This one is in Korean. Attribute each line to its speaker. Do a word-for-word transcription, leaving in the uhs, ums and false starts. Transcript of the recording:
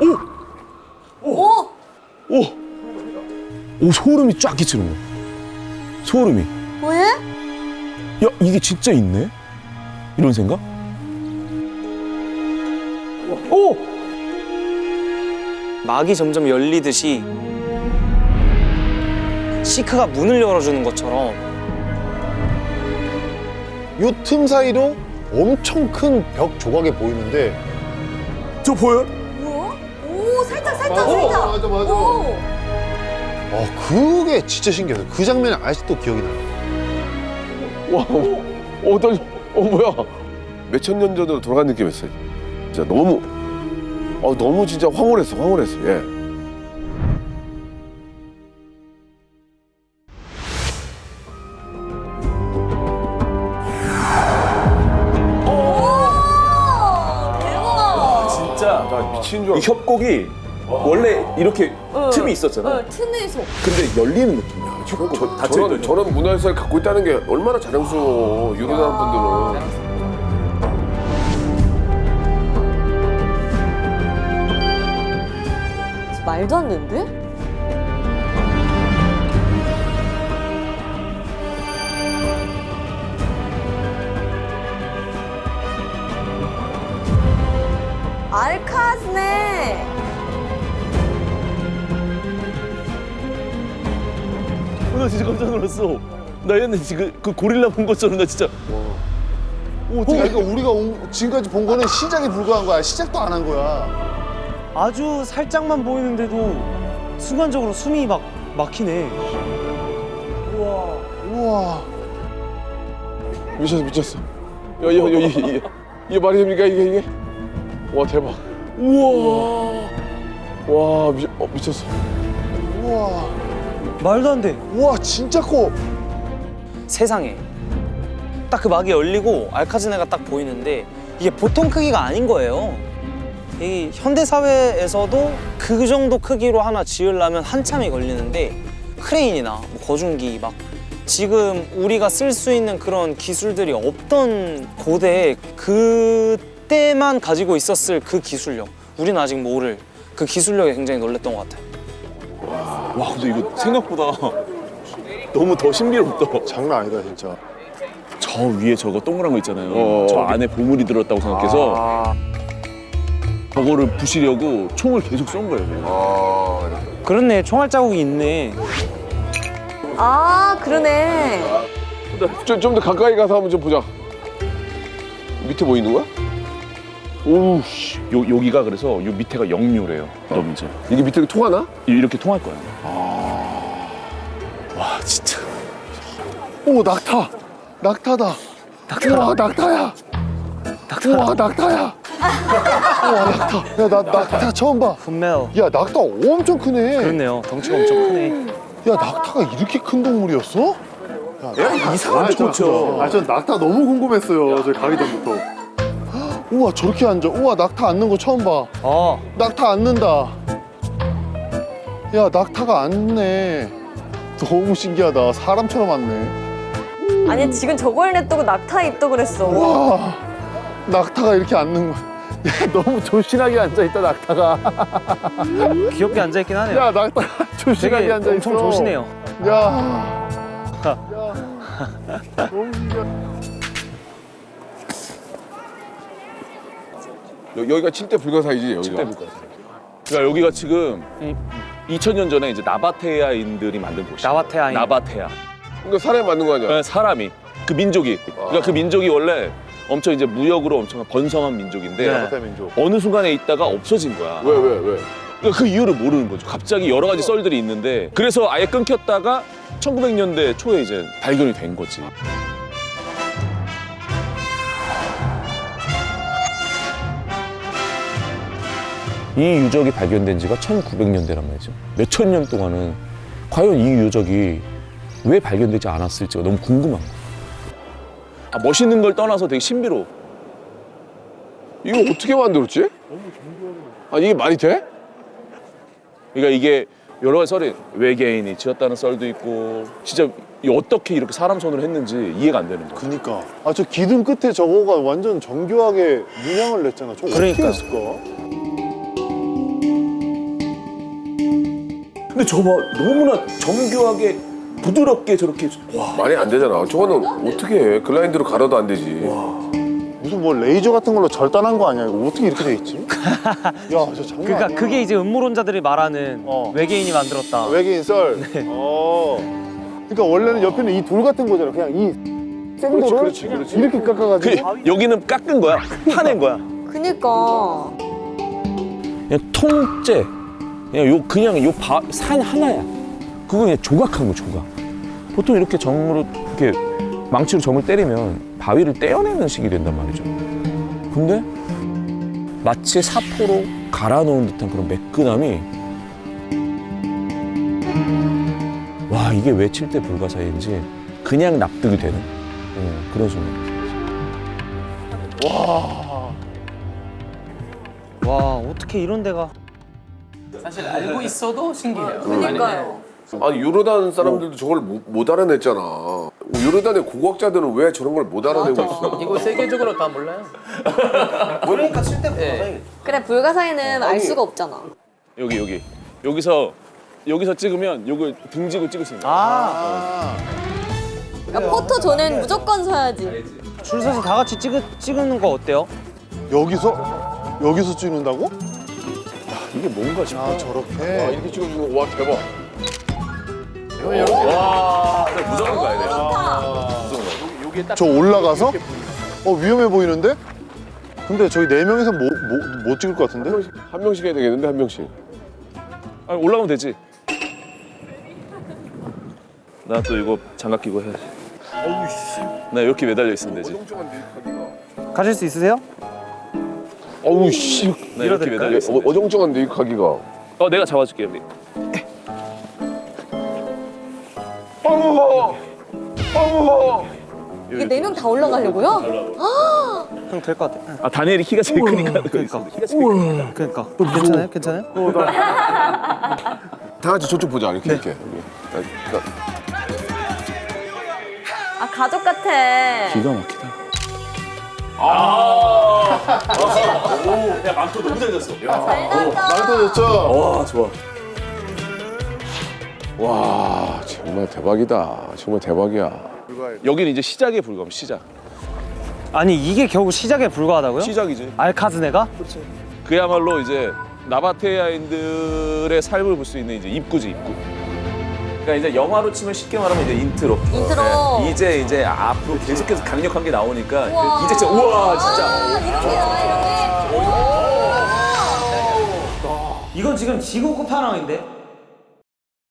Speaker 1: 오! 오! 오! 오, 소름이 쫙 끼치는 거야. 소름이.
Speaker 2: 왜?
Speaker 1: 야, 이게 진짜 있네? 이런 생각? 오!
Speaker 3: 막이 점점 열리듯이 시크가 문을 열어주는 것처럼
Speaker 4: 요 틈 사이로 엄청 큰 벽 조각이 보이는데
Speaker 1: 저 보여요?
Speaker 2: 뭐야? 오, 살짝, 살짝,
Speaker 4: 맞아,
Speaker 2: 살짝.
Speaker 4: 맞아, 맞아.
Speaker 2: 오.
Speaker 4: 어, 그게 진짜 신기해요. 그 장면이 아직도 기억이 나요.
Speaker 5: 와, 어, 떨려. 어, 뭐야. 몇천 년 전으로 돌아간 느낌이었어요. 진짜 너무, 어, 너무 진짜 황홀했어, 황홀했어, 예.
Speaker 2: 오, 대박.
Speaker 1: 진짜.
Speaker 5: 나 미친 줄
Speaker 1: 이
Speaker 5: 알았어.
Speaker 1: 협곡이 원래 이렇게
Speaker 2: 어,
Speaker 1: 틈이 있었잖아.
Speaker 2: 어, 틈에서.
Speaker 1: 근데 열리는 느낌이야. 협곡
Speaker 5: 저,
Speaker 1: 닫혀있던
Speaker 5: 저런, 저런 문화유산을 갖고 있다는 게 얼마나 자랑스러워, 유럽 분들은.
Speaker 2: 말도 안 되는데? 알카즈네.
Speaker 1: 어, 나 진짜 깜짝 놀랐어. 나 옛날에 지금 그 고릴라 본 것처럼 나 진짜.
Speaker 4: 오, 그러니까 우리가 온- 지금까지 본 거는 시작에 불과한 거야. 시작도 안 한 거야.
Speaker 3: 아주 살짝만 보이는데도 순간적으로 숨이 막 막히네.
Speaker 4: 우와.
Speaker 5: 미쳤어, 미쳤어. 야, 야, 야, 이게, 이게, 이게 말이 됩니까, 이게, 이게? 와, 대박.
Speaker 1: 우와.
Speaker 5: 와, 미, 어, 미쳤어.
Speaker 4: 우와.
Speaker 3: 말도 안 돼.
Speaker 4: 우와, 진짜 커.
Speaker 3: 세상에. 딱 그 막이 열리고 알카즈네가 딱 보이는데 이게 보통 크기가 아닌 거예요. 이 현대 사회에서도 그 정도 크기로 하나 지으려면 한참이 걸리는데 크레인이나 뭐 거중기 막 지금 우리가 쓸 수 있는 그런 기술들이 없던 고대에 그때만 가지고 있었을 그 기술력, 우리는 아직 모를 그 기술력에 굉장히 놀랬던 것 같아요.
Speaker 1: 와, 근데 이거 생각보다 너무 더 신비롭다.
Speaker 4: 장난 아니다, 진짜.
Speaker 1: 저 위에 저거 동그란 거 있잖아요.
Speaker 5: 어.
Speaker 1: 저 안에 보물이 들었다고 생각해서
Speaker 5: 아,
Speaker 1: 저거를 부시려고 총을 계속 쏜 거예요. 그냥.
Speaker 5: 아,
Speaker 3: 그렇네, 총알 자국이 있네.
Speaker 2: 아, 그러네.
Speaker 5: 좀, 좀 더 가까이 가서 한번 좀 보자. 밑에 뭐 있는 거야?
Speaker 1: 오우, 씨. 요, 여기가 그래서 요 밑에가 영묘래요. 너무 이제
Speaker 5: 이게 밑에 통하나?
Speaker 1: 이렇게 통할 거야. 와, 진짜.
Speaker 4: 오, 낙타. 낙타다. 우와, 낙타야. 우와, 낙타야. 우와, 낙타. 야, 나 낙타 처음 봐.
Speaker 3: 분명
Speaker 4: 야, 낙타 엄청 크네.
Speaker 3: 그렇네요. 덩치가 엄청 크네.
Speaker 4: 야, 낙타가 이렇게 큰 동물이었어? 야,
Speaker 1: 이상한 거
Speaker 4: 아, 전 낙타 너무 궁금했어요. 저 가기 전부터. 우와, 저렇게 앉아. 우와, 낙타 앉는 거 처음 봐.
Speaker 3: 어,
Speaker 4: 낙타 앉는다. 야, 낙타가 앉네. 너무 신기하다. 사람처럼 앉네.
Speaker 2: 아니, 지금 저걸 냈다고 낙타에 있다 그랬어.
Speaker 4: 와, 낙타가 이렇게 앉는 거야. 야, 너무 조신하게 앉아있다, 낙타가.
Speaker 3: 귀엽게 앉아있긴 하네요.
Speaker 4: 야, 낙타 조신하게
Speaker 3: 되게
Speaker 4: 앉아있어.
Speaker 3: 엄청 조시네요.
Speaker 4: 야. 야. 너무 신기하다.
Speaker 5: 여, 여기가 칠대 불가사이지, 여기가.
Speaker 1: 그러니까 여기가 지금 이천 년 전에 이제 나바테아인들이 만든 곳이야.
Speaker 3: 나바테아인.
Speaker 1: 나바테아.
Speaker 5: 이거 사람이 맞는 거 아니야?
Speaker 1: 네, 사람이 그 민족이. 그러니까 그 민족이 원래 엄청 이제 무역으로 엄청 번성한 민족인데
Speaker 3: 네.
Speaker 4: 낙타 민족.
Speaker 1: 어느 순간에 있다가 없어진 거야.
Speaker 5: 왜, 왜, 왜?
Speaker 1: 그러니까 그 이유를 모르는 거죠. 갑자기 여러 가지 썰들이 있는데 그래서 아예 끊겼다가 천구백 년대 초에 이제 발견이 된 거지. 이 유적이 발견된 지가 천구백 년대란 말이죠. 몇천 년 동안은 과연 이 유적이 왜 발견되지 않았을지가 너무 궁금한 거야. 아, 멋있는 걸 떠나서 되게 신비로워.
Speaker 5: 이거 어떻게 만들었지? 아, 이게 말이 돼?
Speaker 1: 그러니까 이게 여러 가지 썰이 외계인이 지었다는 썰도 있고 진짜 이 어떻게 이렇게 사람 손으로 했는지 이해가 안 되는 거야.
Speaker 4: 그니까. 아, 저 기둥 끝에 저거가 완전 정교하게 문양을 냈잖아. 저거 어떻게
Speaker 3: 그러니까요.
Speaker 4: 했을까?
Speaker 1: 근데 저봐 너무나 정교하게 부드럽게 저렇게 와.
Speaker 5: 말이 안 되잖아. 저거는 어떻게 해? 글라인드로 갈아도 안 되지.
Speaker 4: 무슨 뭐 레이저 같은 걸로 절단한 거 아니야? 이거 어떻게 이렇게 돼 있지? 야, 저 장난
Speaker 3: 그러니까
Speaker 4: 아니야.
Speaker 3: 그게 이제 음모론자들이 말하는
Speaker 4: 어.
Speaker 3: 외계인이 만들었다.
Speaker 4: 외계인 썰. 어. 그러니까 원래는 옆에는 이 돌 같은 거잖아. 그냥 이 생도를
Speaker 5: 그렇지, 그렇지.
Speaker 4: 이렇게
Speaker 1: 그
Speaker 4: 깎아가지고.
Speaker 1: 여기는 깎은 거야. 파낸 거야.
Speaker 2: 그니까.
Speaker 1: 그냥 통째 그냥 요 그냥 요 산 하나야. 그거 그냥 조각한 거 조각. 보통 이렇게 정으로 이렇게 망치로 점을 때리면 바위를 떼어내는 식이 된단 말이죠. 근데 마치 사포로 갈아놓은 듯한 그런 매끈함이 와 이게 왜 칠 대 불가사의인지 그냥 납득이 되는 어, 그런 순간.
Speaker 3: 와 어떻게 이런 데가
Speaker 6: 사실 알고 있어도 신기해요.
Speaker 2: 그니까요.
Speaker 5: 아니 요르단 사람들도 저걸 못, 못 알아냈잖아. 요르단의 고고학자들은 왜 저런 걸 못 알아내고 있어?
Speaker 6: 이거 세계적으로 다 몰라요.
Speaker 3: 그러니까 칠 때
Speaker 6: 네.
Speaker 2: 그래 불가사의는 알 수가 없잖아.
Speaker 1: 여기 여기 여기서 여기서 찍으면 요걸 등지고 찍을 수 있는 거야.
Speaker 3: 아,
Speaker 2: 그러니까 포토 전엔 무조건 서야지.
Speaker 3: 줄 서서 다 같이 찍으, 찍는 거 어때요?
Speaker 4: 여기서? 여기서 찍는다고?
Speaker 1: 이게 뭔가 싶어.
Speaker 4: 아, 저렇게.
Speaker 5: 이렇게 찍어주는 거 와 대박.
Speaker 1: 와 무조건 가야 돼.
Speaker 2: 좋다.
Speaker 4: 저 올라가서? 어, 위험해 보이는데? 근데 저희 네 명에서 못, 못, 못 찍을 것 같은데?
Speaker 5: 한 명씩 해야 되겠는데 한 명씩.
Speaker 1: 아, 올라가면 되지. 나 또 이거 장갑 끼고 해야지. 나 이렇게 매달려 있으면 되지.
Speaker 3: 가실 수 있으세요?
Speaker 5: 어우 씨.
Speaker 1: 나 이렇게 매달려 있으면
Speaker 5: 어,
Speaker 1: 되지.
Speaker 5: 어정쩡한데 이 가기가.
Speaker 1: 어 내가 잡아줄게 우리.
Speaker 5: 어우. 어우.
Speaker 2: 이게 네 명 다 올라가려고요?
Speaker 3: 형 될 것 같아.
Speaker 1: 아 다니엘이 키가 제일 크니까.
Speaker 3: 그러니까.
Speaker 1: 키가 제일 크니까.
Speaker 3: 그러니까 괜찮아요? 괜찮아요?
Speaker 5: 다 같이 저쪽 보자 이렇게 이렇게. 여기. 나- 나-
Speaker 2: 아 가족 같아.
Speaker 1: 기가 막히다. 아. 오, 야 망토 너무 잘 졌어.
Speaker 2: 잘 난다.
Speaker 4: 많이 터졌죠?
Speaker 1: 와 좋아.
Speaker 5: 와 정말 대박이다. 정말 대박이야.
Speaker 1: 여기는 이제 시작에 불과함 시작.
Speaker 3: 아니 이게 겨우 시작에 불과하다고요?
Speaker 1: 시작이지.
Speaker 3: 알카즈네가?
Speaker 1: 그야말로 이제 나바테아인들의 삶을 볼 수 있는 이제 입구지 입구. 그러니까 이제 영화로 치면 쉽게 말하면 이제 인트로.
Speaker 2: 인트로.
Speaker 1: 네. 이제 이제 앞으로 계속해서 강력한 게 나오니까
Speaker 2: 우와.
Speaker 1: 이제 진짜 우와 진짜.
Speaker 2: 아, 이렇게 나와 이렇게.
Speaker 3: 이건 지금 지구 끝판왕인데?